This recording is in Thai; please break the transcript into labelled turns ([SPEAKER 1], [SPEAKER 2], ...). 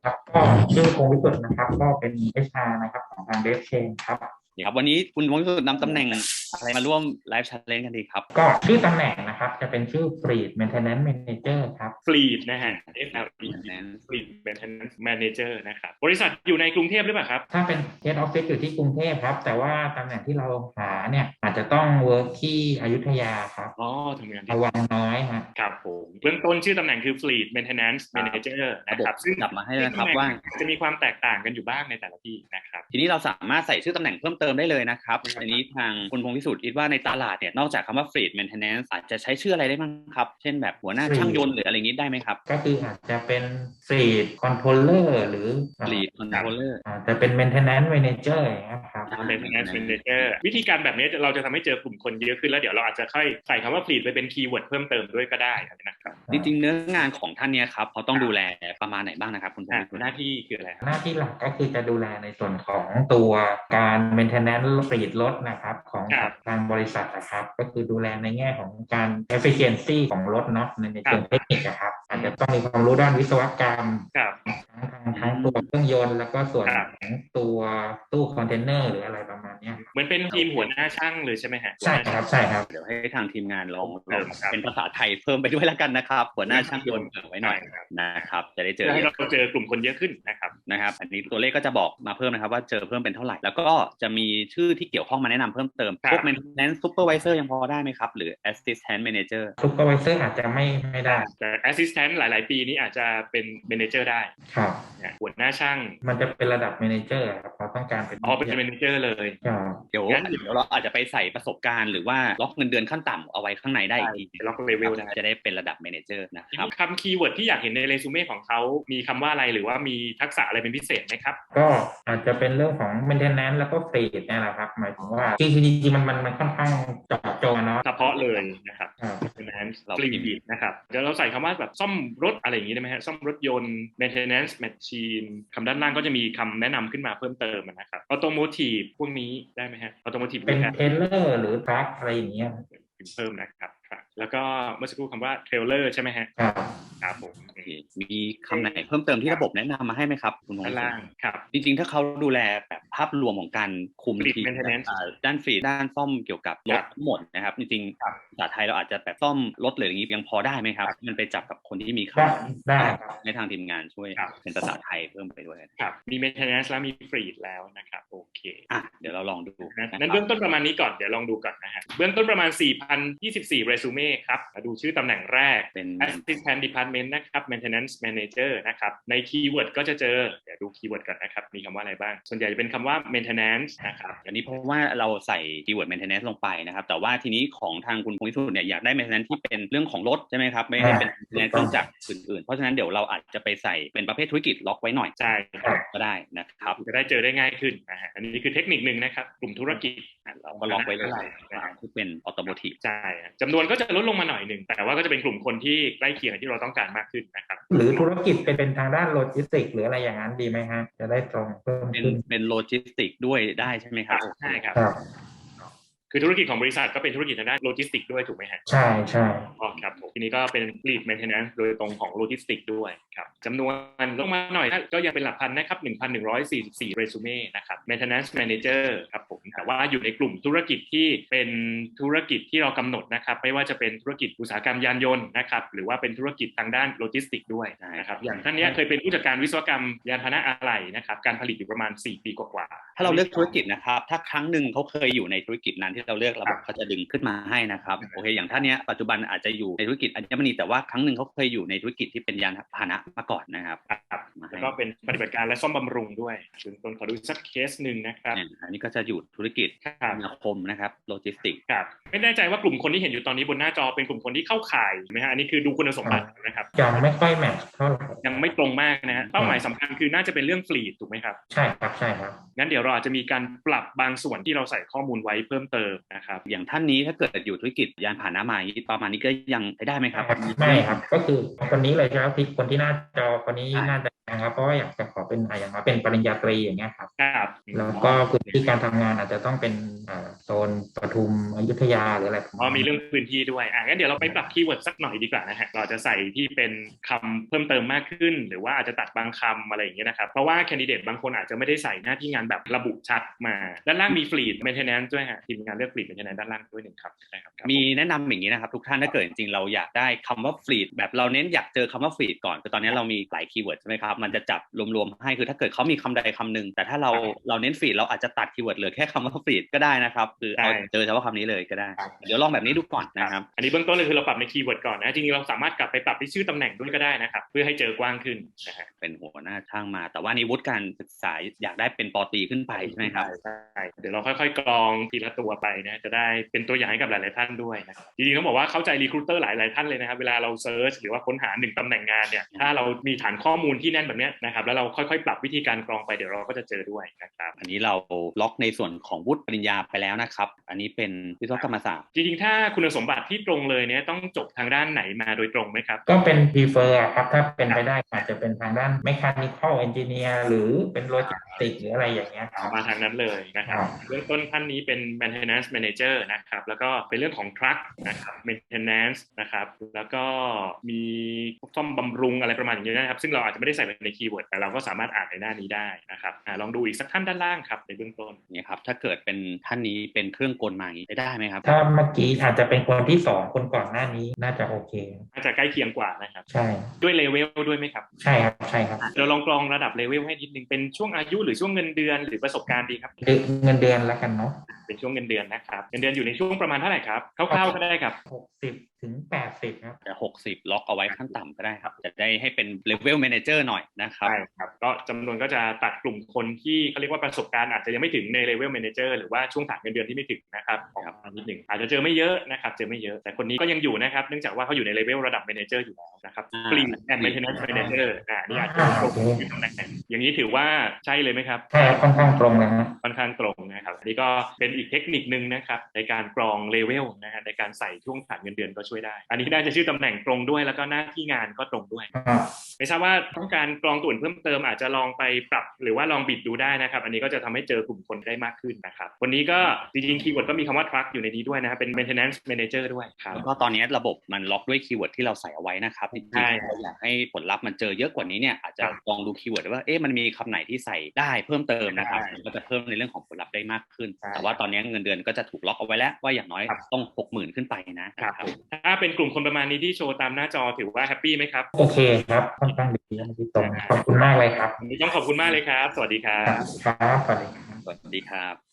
[SPEAKER 1] ครับก็ชื่อพงศ์วิสุทธ์นะครับก็เป็น HR นะครับของทาง DevChain ครับ
[SPEAKER 2] ครับวันนี้คุณวงสุดนำตำแหน่งอะไรมาร่วมไลฟ์แชทเลนกันดีครับ
[SPEAKER 1] ก็ชื่อตำแหน่งนะครับจะเป็นชื่อ Fleet Maintenance Manager ครับ
[SPEAKER 3] Fleet นะฮะ
[SPEAKER 2] นั้น
[SPEAKER 3] Fleet Maintenance Manager นะครับบริษัทอยู่ในกรุงเทพหรือเปล่าครับ
[SPEAKER 1] ถ้าเป็น Head Office อยู่ที่กรุงเทพครับแต่ว่าตำแหน่งที่เราหาเนี่ยอาจจะต้อง work ที่อยุธยาครับ
[SPEAKER 3] อ๋อทำงานที่
[SPEAKER 1] ระวังน้อยฮะ
[SPEAKER 3] ครับผมเบื้องต้นชื่อตำแหน่งคือ Fleet Maintenance Manager
[SPEAKER 2] ระบบ
[SPEAKER 3] นะครับซึ่ง
[SPEAKER 2] จับมาให้นะครับว่า
[SPEAKER 3] จะมีความแตกต่างกันอยู่บ้างในแต่ละที่นะครับ
[SPEAKER 2] ทีนี้เราสามารถใส่ชื่อตำแหน่งเพิ่มเติมได้เลยนะครับอันนี้ทางคุณพงศ์พิสุทธิ์คิดว่าในตลาดเนี่ยนอกจากคำว่า Fleet Maintenance อาจจะใช้ชื่ออะไรได้บ้างครับเช่นแบบหัวหน้าช่างยนต์หรืออะไรนี้ได้ไหมครับ
[SPEAKER 1] ก็คืออาจจะเป็น Fleet Controller หรือ
[SPEAKER 2] Fleet Controller
[SPEAKER 1] อาจจะเป็น Maintenance Manager อย่างเงี้ยครับ
[SPEAKER 3] Maintenance Manager วิธีการแบบนี้เราจะทำให้เจอกลุ่มคนเยอะขึ้นแล้วเดี๋ยวเราอาจจะค่อยใส่คำว่า Fleet ไปเป็นคีย์เวิร์ดเพิ่มเติมด้วยก็ได้นะครับ
[SPEAKER 2] จริงๆเนื้องานของท่านเนี่ยครับเขาต้องดูแลประมาณไหนบ้างนะครับคุณพงศ์พิสุทธิ์
[SPEAKER 3] หน้าที่คืออะไรครับ
[SPEAKER 1] หน้าที่หลักก็คือจะดูแลในส่วนของตัวการ maintenance ฟลีดรถนะครับของทางบริษัทนะครับก็คือดูแลในแง่ของการ efficiency ของรถเนาะในเชิงเทคนิคนะครับอาจจะต้องมีความรู้ด้านวิศวกรรมทั้งตัวเครื่องยนต์แล้วก็ส่วนของตัวตู้คอนเทนเนอร์หรืออะไรประมาณนี้
[SPEAKER 3] เหมือนเป็นทีมหัวหน้าช่างเลยใช่ไหมฮะ
[SPEAKER 1] ใช่ครับใช่ครับ
[SPEAKER 2] เดี๋ยวให้ทางทีมงานลองเป็นภาษาไทยเพิ่มไปด้วยแล้วกันนะครับหัวหน้าช่างยนต์ไว้หน่อยนะครับจะได้เจอ
[SPEAKER 3] ให้เราเจอกลุ่มคนเยอะขึ้น
[SPEAKER 2] นะครับอันนี้ตัวเลขก็จะบอกมาเพิ่มนะครับว่าเจอเพิ่มเป็นเท่าไหร่แล้วก็จะมีชื่อที่เกี่ยวข้องมาแนะนำเพิ่มเติมพวก maintenance supervisor ยังพอได้ไหมครับหรือ assistant manager
[SPEAKER 1] supervisor อาจจะไม่ได้
[SPEAKER 3] แต่ assistant หลายๆปีนี้อาจจะเป็น manager ได้
[SPEAKER 1] ครับ
[SPEAKER 3] หัวหน้าช่าง
[SPEAKER 1] มันจะเป็นระดับ manager ครับเราต้องการเป็น
[SPEAKER 3] manager เลย
[SPEAKER 2] เดี๋ยวเราอาจจะไปใส่ประสบการณ์หรือว่าล็อกเงินเดือนขั้นต่ำเอาไว้ข้างในได้อีกที
[SPEAKER 3] ล็อกเลเวล
[SPEAKER 2] จะได้เป็นระดับ manager นะครับ
[SPEAKER 3] คำคีย์เวิร์ดที่อยากเห็นในเรซูเม่ของเขามีคำว่าอะไรหรือว่ามีทักษะอะไรเป็นพิเศษไหมครับ
[SPEAKER 1] ก็อาจจะเป็นเรื่องของ maintenance แล้วก็ fleet นี่แหละครับหมายถึงว่าจริงๆมันค่อนข้างเจาะจงเนาะ
[SPEAKER 3] เฉพาะเลยนะครับ maintenance fleet นะครับเดี๋ยวเราใส่คำว่าแบบซ่อมรถอะไรอย่างนี้ได้ไหมฮะซ่อมรถยนต์ maintenance machine คำด้านล่างก็จะมีคำแนะนำขึ้นมาเพิ่มเติมนะครับ automotive พวกนี้ได้ไหมฮะ automotive
[SPEAKER 1] เป็น trailer หรือ truck อะไรอย่างเงี้ย
[SPEAKER 3] เพิ่มนะครับแล้วก็เมื่อสักครู่คำว่า trailer ใช่ไหมฮะครับผม
[SPEAKER 2] มีคำไหนเพิ่มเติมที่ระบบแนะนำมาให้ไหมครับคุณพงศ์
[SPEAKER 3] ด้านล่างครับ
[SPEAKER 2] จริงๆถ้าเขาดูแลแบบภาพรวมของการคุมทีด้านฟรีด้านซ่อมเกี่ยวกับรถทั้งหมดนะครับจริงๆภาษาไทยเราอาจจะแบบซ่อมรถหรืออย่างนี้ยังพอได้ไหมครับมันไปจับกับคนที่มีค
[SPEAKER 1] ำได้
[SPEAKER 2] ในทางทีมงานช่วยเป็นภาษาไทยเพิ่มไปด้วย
[SPEAKER 3] ครับมี maintenance แล้วมี fleet แล้วนะครับโอเค
[SPEAKER 2] เดี๋ยวเราลองดู
[SPEAKER 3] นั้นเบื้องต้นประมาณนี้ก่อนเดี๋ยวลองดูก่อนนะฮะเบื้องต้นประมาณ 4,024 เรซูเม่ครับมาดูชื่อตำแหน่งแรกเป็น assistant department นะครับ maintenance manager นะครับในคีย์เวิร์ดก็จะเจอเดี๋ยวดูคีย์เวิร์ดก่อนนะครับมีคำว่าอะไรบ้างส่วนใหญ่จะเป็นคำว่า maintenance นะครับ
[SPEAKER 2] อันนี้เพราะว่าเราใส่คีย์เวิร์ด maintenance ลงไปนะครับแต่ว่าทีนี้ของทางคุณพงศ์พิสุทธิ์เนี่ยอยากได้ maintenance ที่เป็นเรื่องของรถใช่ไหมครับไม่ได้เป็น maintenance เครื่องจักรอื่นๆเพราะฉะนั้นเดี๋ยวเราอาจจะไปใส่เป็นประเภทธุรกิจล็อกไว้หน่อย
[SPEAKER 3] ใช่
[SPEAKER 2] ก็ได้นะครับ
[SPEAKER 3] จะได้เจอได้ง่ายขึ้นอันนี้คือเทคนิคนึงนะครับกลุ่มธุรกิจ
[SPEAKER 2] เราก็ล็อกไว้เลยที่เป็น automotive
[SPEAKER 3] ใช่จำนวนก็จะลดลงมาหน่อยนึงแต่ว่าก็จะเป็นกลุ่มคนที่ใกล้เคียงที่เราต้องการมากขึ้นนะครับ
[SPEAKER 1] หรือธุรกิจเป็นทางด้านโลจิสติกหรืออะไรอย่างนั้นดีไหมฮะจะได้ตรงเพิ่มขึ้น
[SPEAKER 2] เป็นโลจิสติกด้วยได้ใช่ไหมครับ
[SPEAKER 3] ใช่ครับคือธุรกิจของบริษัทก็เป็นธุรกิจทางด้านโลจิสติกด้วยถูกไหมฮะ
[SPEAKER 1] ใช่
[SPEAKER 3] ครับทีนี้ก็เป็น Fleet Maintenance โดยตรงของโลจิสติกด้วยครับจำนวนลงมาหน่อยก็ยังเป็นหลักพันนะครับ 1,144 เรซูเม่นะครับ Maintenance Manager ครับผมแต่ว่าอยู่ในกลุ่มธุรกิจที่เป็นธุรกิจที่เรากำหนดนะครับไม่ว่าจะเป็นธุรกิจอุตสาหกรรมยานยนต์นะครับหรือว่าเป็นธุรกิจทางด้านโลจิสติกด้วยนะครับอย่างท่านนี้เคยเป็นผู้จัดการวิศวกรรมยานพาหนะอะไหล่นะครับการผลิตอยู่ประมาณ4 ปีกว่า
[SPEAKER 2] ถ้าเราเลือกธุรกิจนะครับถ้าครั้งหนึ่งเขาเคยอยู่ในธุรกิจนั้นที่เราเลือกระบบเขาจะดึงขึ้นมาให้นะครับโอเคอย่างท่านนี้ปัจจุบันอาจจะอยู่ในธุรกิจอัญมณีแต่ว่าครั้งหนึ่งเขาเคยอยู่ในธุรกิจที่เป็นยานพาหนะมาก่อนนะครับ
[SPEAKER 3] แล้วก็เป็นปฏิบัติการและซ่อมบำรุงด้วยซึ่งต้นขอดูสักเคสหนึ่งนะครับ
[SPEAKER 2] อันนี้ก็จะอยู่ธุรกิจคมนาคมนะครับโลจิสติก
[SPEAKER 3] ครับไม่แน่ใจว่ากลุ่มคนที่เห็นอยู่ตอนนี้บนหน้าจอเป็นกลุ่มคนที่เข้าข่ายไหมฮะอันนี้คือดูคุณสมบัตินะครับ
[SPEAKER 1] ยังไม่ค่อยแมทเท่าไหร่
[SPEAKER 3] ยังไม่ตรงมากนะฮะเป้าหมายสำคัญคือน่าจะเป็นเรื่องฟลีทถูกไหมครับ
[SPEAKER 1] ใช่ครับ
[SPEAKER 3] งั้นเดี๋ยวเราอาจจะมีการปรับบางส่วนที่เราใส่ข้อมูลไว้เพิ่มเติมนะครับ
[SPEAKER 2] อย่างท่านนี้ถ้าเกิดอยู่ธุรกิจยานพาหนะมาประมาณนี้ก็ยังได้ไหมครับ
[SPEAKER 1] ไม่ครับก็คือคนนี้เลยใช่ไหมพี่คนที่หน้าจอคนนี้น่าจะนะครับเพราะว่าอยากจะขอเป็นอย่างมาเป็นปริญญาตรีอย่างเงี้ยครับ
[SPEAKER 3] ครับ
[SPEAKER 1] แล้วก็พื้นที่การทำงานอาจจะต้องเป็นโซนปทุมอยุธยาหรืออะไรประมาณ
[SPEAKER 3] มี
[SPEAKER 1] นี้
[SPEAKER 3] เรื่องพื้นที่ด้วยงั้นเดี๋ยวเราไปปรับคีย์เวิร์ดสักหน่อยดีกว่านะฮะเราจะใส่ที่เป็นคำเพิ่มเติมมากขึ้นหรือว่าอาจจะตัดบางคำอะไรอย่างเงี้ยนะครับเพราะว่าแคนดิเดตบางคนอาจจะไม่ได้ใส่หน้าที่งานแบบระบุชัดมาด้านล่างมี Fleet Maintenance ด้วยฮะทีมงานเลือก Fleet Maintenance ด้านล่างด้วยหนึ่งครับ
[SPEAKER 2] มีแนะนำอย่างนี้นะครับทุกท่านถ้าเกิดจริงๆเราอยากได้คำว่า Fleet แบบเราเน้นอยากเจอคำว่า Fleet ก่อนคือตอนนี้เรามีหลายคีย์เวิร์ดใช่ไหมครับมันจะจับรวมๆให้คือถ้าเกิดเขามีคำใดคำหนึ่งแต่ถ้าเราเน้น Fleet เราอาจจะตัดคีย์เวิร์ดเหลือแค่คำว่า Fleet ก็ได้นะครับคือเอาเจอเฉพาะคำนี้เลยก็ได้เดี๋ยวลองแบบนี้ดูก่อนนะครับ
[SPEAKER 3] อันนี้เบื้องต้นเลยคือเราปรับในคีย์เวิร์ดก่อนนะจริงๆเราสามารถกลับไปปรับที่ชื่อตำแหน่งด้วยก็ได้นะครับเพื่อให้เจอกว้างขึ้นนะฮะ
[SPEAKER 2] เป็นหัวหน้าช่างมาแต่ว่านี้วุฒิการศึกษาอยากได้เป็นป.ตรีขึ้นไปใช่ไหมครับ
[SPEAKER 3] ใช่เดี๋ยวเราค่อยๆกรองทีละตัวไปนะจะได้เป็นตัวอย่างให้กับหลายๆท่านด้วยนะครับจริงๆต้องบอกว่าเข้าใจรีครูเตอร์หลายๆท่านเลยนะครับเวลาเราเซิร์ชหรือว่าค้นหา1ตำแหน่งงานเนี่ยถ้าเรามีฐานข้อมูลที่แน่นแบบนี้นะครับแล้วเราค่อยๆปรับวิธีการกรองไปเดี๋ยวเราก็จะเจอด้วยนะครับ
[SPEAKER 2] อันนี้เราล็อกในส่วนของวุฒิปริญญาไปแล้วนะครับอันนี้เป็นวิศวกรรมศาสตร์
[SPEAKER 3] จริงๆถ้าคุณสมบัติที่ตรงเลยเนี่ยต้องจบทางด้านไหนมาโดยตรงไหมครับ
[SPEAKER 1] ก็เป็น prefer ครับถ้าเป็นไปได้อาจจะเป็นทางด้าน mechanical engineer หรือเป็นโลจิสติกหรืออะไรอย่างเงี้ยครับ
[SPEAKER 3] มาทางนั้นเลยนะครับเบื้องต้นท่านนี้เป็น maintenance manager นะครับแล้วก็เป็นเรื่องของ truck นะครับ maintenance นะครับแล้วก็มีซ่อมบำรุงอะไรประมาณอย่างนี้นะครับซึ่งเราอาจจะไม่ได้ใส่ในคีย์เวิร์ดแต่เราก็สามารถอ่านในหน้านี้ได้นะครับลองดูอีกสักท่านด้านล่างครับในเบื้องต้น
[SPEAKER 2] เนี่ยครับถ้าเกิดเป็นท่านนี้เป็นเครื่องกลมาอย่างนี้ได้ไหมครับ
[SPEAKER 1] ถ้าเมื่อกี้อาจจะเป็นคนที่2คนก่อนหน้านี้น่าจะโอเค
[SPEAKER 3] น่าจะใกล้เคียงกว่านะครับ
[SPEAKER 1] ใช่
[SPEAKER 3] ด้วยเลเวลด้วยไหมครับ
[SPEAKER 1] ใช่ครับใช่ครับ
[SPEAKER 3] เราลองกรองระดับเลเวลให้นิดนึงเป็นช่วงอายุหรือช่วงเงินเดือนหรือประสบการณ์ดีครับ
[SPEAKER 1] เงินเดือนแล้วกันเนาะ
[SPEAKER 3] เป็นช่วงเงินเดือนนะครับเงินเดือนอยู่ในช่วงประมาณเท่าไหร่ครับคร่าวๆก็ได้ครับ
[SPEAKER 1] 60 ถึง 80ครับ
[SPEAKER 2] จะ60ล็อกเอาไว้ขั้นต่ำก็ได้ครับจะได้ให้เป็นเลเวลแมเนเจอร์หน่อยนะครับ
[SPEAKER 3] ใช่ครับก็จำนวนก็จะตัดกลุ่มคนที่เขาเรียกว่าประสบการณ์อาจจะยังไม่ถึงในเลเวลแมเนเจอร์หรือว่าช่วงฐานเงินเดือนที่ไม่ถึงนะครับนิดหนึ่งอาจจะเจอไม่เยอะนะครับเจอไม่เยอะแต่คนนี้ก็ยังอยู่นะครับเนื่องจากว่าเขาอยู่ในเลเวลระดับแมเนเจอร์อยู่แล้วนะครับ Fleet and Maintenance Manager นี่อาจจะตรงที่ตำแหน่งอย่างนี้ถือว่าใช่เลยไหมครับ
[SPEAKER 1] ใช่ค่อนข้างตรงนะ
[SPEAKER 3] ค่อนข้างตรงนะครับอันนี้ก็เป็นอีกเทคนิคนึงนะครับในการกรองเลเวลนะฮะในการใส่ช่วงฐานเงินเดือนก็ช่วยได้อันนี้น่าจะชื่อตำแหน่งตรงด้วยแล้วก็หน้าที่งานก็ตรงด้วยไม่ทราบว่าต้องการกรองตัวอื่นเพิ่มเติมอาจจะลองไปปรับหรือว่าลองบิดดูได้นะครับอันนี้ก็จะทำให้เจอกลุ่มคนได้มากขึ้นนะครับวันนี้ก็จริงๆคีย์เวิร์ดก็มีคำว่า truck อยู่ในนี้ด้วยนะครับเป็น maintenance manager ด้วยครับ
[SPEAKER 2] แล้วก็ตอนนี้ระบบมันล็อกด้วยคีย์เวิร์ดที่เราใส่เอาไว้นะครับจริงๆเราอยากให้ผลลัพธ์มันเจอเยอะกว่านี้เนี่ยอาจจะลองดูคีย์เวิร์ดว่ามันมีคำไหนที่ใส่ได้เพิ่มเติมนะครับก็จะเพิ่มในเรื่องของผลลัพธ์ได้มากขึ้นแต่ว่าตอนนี้เงินเดือนก็จะถูกล็อกเอาไว้แล้วว่าอย่างน้อยต้อง 60,000 ขึ้นไปนะครับ
[SPEAKER 3] ถ้าเป็นกลุ่มคนประมาณนี้ที่โชว์ตามหน้าจอถือว่าแฮปปี้ไหมครับ
[SPEAKER 1] โอเคครับค่อนข้างดีที่ตรงขอบคุณมากเลยครับ
[SPEAKER 3] ต้องขอบคุณมากเลยครับสวัสดีครับ
[SPEAKER 1] ครับสวัสดีครับ
[SPEAKER 2] สวัสดีครับ